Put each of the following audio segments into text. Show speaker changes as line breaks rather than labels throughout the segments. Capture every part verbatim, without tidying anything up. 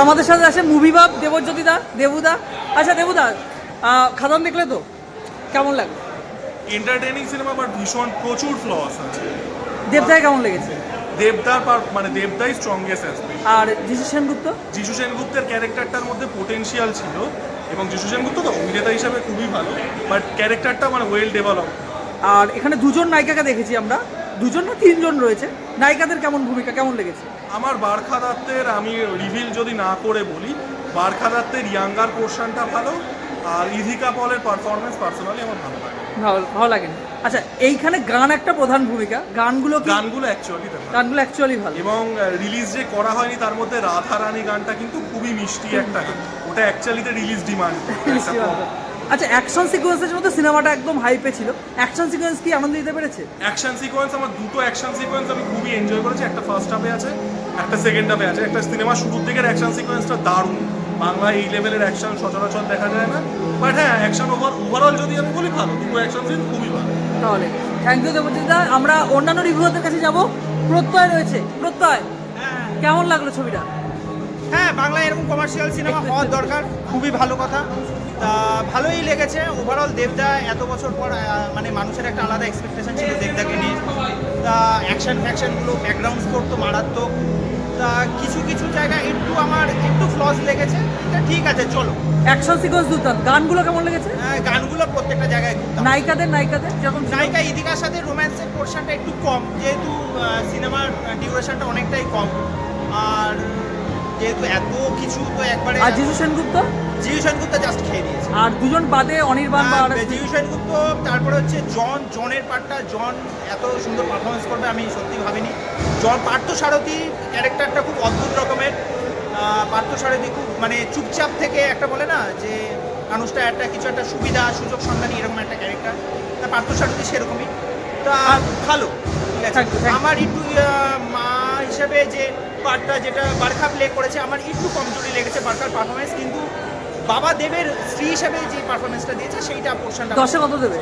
আমাদের সাথে আছে মুভি বাপ দেবজ্যোতি দা, দেবুদা। আচ্ছা দেবুদা, খাদান দেখলে তো কেমন লাগলো?
এন্টারটেইনিং সিনেমা, বাট ভীষণ প্রচুর ফ্লস আছে।
দেবদায় কেমন লেগেছে?
দেবদার পার মানে দেবদাই স্ট্রংগেস্ট অ্যাসপেক্ট।
আর যিশু সেনগুপ্ত?
যিশু সেনগুপ্তের ক্যারেক্টারটার মধ্যে পোটেনশিয়াল ছিল, এবং যিশু সেনগুপ্ত তো অভিনেতা হিসাবে খুবই ভালো, বাট ক্যারেক্টারটা মানে ওয়েল ডেভেলপ।
আর এখানে দুজন নায়িকাকে দেখেছি আমরা, দুজন না তিনজন রয়েছে। নায়িকাদের কেমন ভূমিকা, কেমন লেগেছে?
আমার বারখা দত্তের, আমি রিভিল যদি না করে বলি, বারখা দত্তের ইয়াঙ্গার পোর্শনটা ভালো, আর ইধিকা পলের পারফরমেন্স পার্সোনালি আমার ভালো লাগে।
ভালো ভালো লাগেনি। আচ্ছা এইখানে গান একটা প্রধান ভূমিকা, গানগুলো কি?
গানগুলো অ্যাকচুয়ালি
গানগুলো অ্যাকচুয়ালি ভালো,
এবং রিলিজ যে করা হয়নি তার মধ্যে রাধারানী গানটা কিন্তু খুবই মিষ্টি একটা গান, ওটা অ্যাকচুয়ালিতে রিলিজ ডিমান্ড।
আচ্ছা অ্যাকশন সিকোয়েন্সের মধ্যে সিনেমাটা একদম হাইপে ছিল, অ্যাকশন সিকোয়েন্স কি আনন্দ দিতে পেরেছে?
অ্যাকশন সিকোয়েন্স, আমার দুটো অ্যাকশন সিকোয়েন্স আমি খুবই এনজয় করেছি। একটা ফার্স্ট হাফে আছে, একটা সেকেন্ড হাফে আছে। একটা সিনেমা শুরুর দিকের অ্যাকশন সিকোয়েন্সটা দারুণ, বাংলায় এই লেভেলের অ্যাকশন সচরাচর দেখা যায় না। বাট হ্যাঁ, অ্যাকশন ওভার ওভারঅল যদি আমি বলি ভালো, দুটো অ্যাকশন সিন খুবই ভালো।
তাহলে থ্যাংক ইউ দেবজিৎদা। আমরা অন্যান্য রিভিউয়ারদের কাছে যাব। প্রত্যয় রয়েছে, প্রত্যয় কেমন লাগলো ছবিটা?
হ্যাঁ, বাংলায় এরকম কমার্শিয়াল সিনেমা হওয়ার দরকার, খুবই ভালো কথা। তা ভালোই লেগেছে ওভারঅল। দেবদা এত বছর পর আহ, মানে মানুষের একটা আলাদা এক্সপেকটেশন ছিল দেবদাকে নিয়ে। তা অ্যাকশন ফ্যাকশনগুলো, ব্যাকগ্রাউন্ড স্কোর তো মারাত্মক। তা কিছু কিছু জায়গায় একটু আমার একটু ফ্লস লেগেছে, তা ঠিক আছে চলো।
অ্যাকশন সিকোয়েন্স দুর্দান্ত। গানগুলো কেমন লেগেছে?
হ্যাঁ, গানগুলো প্রত্যেকটা জায়গায় খুব দারুণ।
নায়িকাদের নায়িকাদের যেরকম ছিল?
নায়িকা ইদিকার সাথে রোম্যান্সের পোর্শনটা একটু কম, যেহেতু সিনেমার ডিউরেশনটা অনেকটাই কম। আর যেহেতু এত কিছু তো একবারে।
আর যিশু সেনগুপ্ত?
জিউ সেনগুপ্ত জাস্ট খেয়ে দিয়েছে।
আর দুজন বাদে অনির্বাণ বা
হ্যাঁ, জিউ সেনগুপ্ত, তারপরে হচ্ছে জন জনের পার্টটা, জন এত সুন্দর পারফরমেন্স করবে আমি সত্যি ভাবিনি। জন পার্থসারথী ক্যারেক্টারটা খুব অদ্ভুত রকমের। আহ, পার্থসারথী খুব মানে চুপচাপ থেকে একটা বলে না যে মানুষটা একটা কিছু একটা সুবিধা সুযোগ সন্ধানী, এরকম একটা ক্যারেক্টার। তা পার্থসারথী সেরকমই। তা ভালো, ঠিক আছে।
Thank you, thank you.
আমার একটু আহ, মা হিসেবে যে পার্টটা যেটা বারখা প্লে করেছে, আমার একটু কমজোরি লেগেছে বারখার পারফরমেন্স। কিন্তু বাবা দেবের স্ত্রী হিসেবে যে পারফরমেন্সটা দিয়েছে সেইটা পোর্শনটা।
দশে কত দেবে?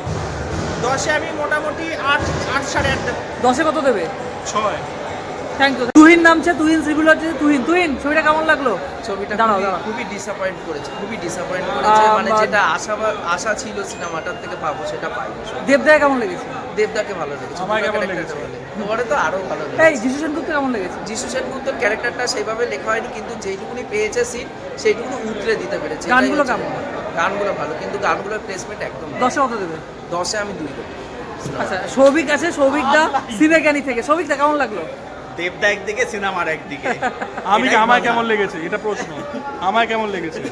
দশে আমি মোটামুটি আট আট সাড়ে আট দেবো।
দশে কত দেবে?
ছয়।
Thank you. তুহিন নামছে, তুহিন সিভিল হচ্ছে তুহিন। তুহিন ছবিটা কেমন লাগলো?
ছবিটা
দাঁড়াও,
খুবই-
দাঁড়াও।
খুবই ডিসঅ্যাপয়েন্ট করেছে, খুবই ডিসঅ্যাপয়েন্ট করেছে।
আহ,
মানে
বা-
যেটা আশা আশা ছিল সিনেমাটার থেকে পাবো সেটা পাইনি।
দেবদায় কেমন লেগেছে?
দেবদাকে ভালো লেগেছে,
আমার কেমন
ক্যারেক্টারটা
লেগেছে?
ভালো লেগেছে। তোমারে তো আরো ভালো
এই
লেগেছে।
যিশু সেনগুপ্ত কেমন লেগেছে?
যিশু সেনগুপ্তর ক্যারেক্টারটা সেইভাবে লেখা হয়নি, কিন্তু যেইটুকুনি পেয়েছে সিন সেইটুকুনি উতরে দিতে পেরেছে। এটাই
গানগুলো
হচ্ছে
কেমন?
ব্যাপার। গানগুলো ভালো, কিন্তু গানগুলোর প্লেসমেন্ট একদম না।
দশে কত দেবে?
দশে আমি দুই দেবো।
আচ্ছা সৌভিক আছে, সৌভিক দা সিনেজ্ঞানী থেকে। সৌভিক দা কেমন লাগলো?
দেবদা একদিকে, সিনেমার একদিকে।
আমি
এটাই
আমায়
মজা।
কেমন লেগেছে এটা প্রশ্ন, আমায় কেমন লেগেছে?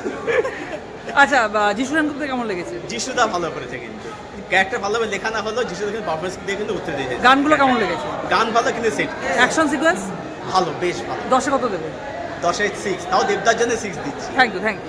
আচ্ছা বা যিশু সেনগুপ্ত কেমন লেগেছে?
যিশুদা ভালো করেছে, কিন্তু ক্যারেক্টার ভালোভাবে লেখা না হলেও যিশুদা কিন্তু পারফরমেন্স দিয়ে কিন্তু উত্তর দিয়েছে।
গানগুলো কেমন লেগেছে?
গান ভালো, কিন্তু সেট
অ্যাকশন সিকোয়েন্স?
ভালো, বেশ ভালো।
দশে কত দেবে?
দশে সিক্স, তাও দেবদার জন্য সিক্স দিচ্ছি।
Thank you, thank you.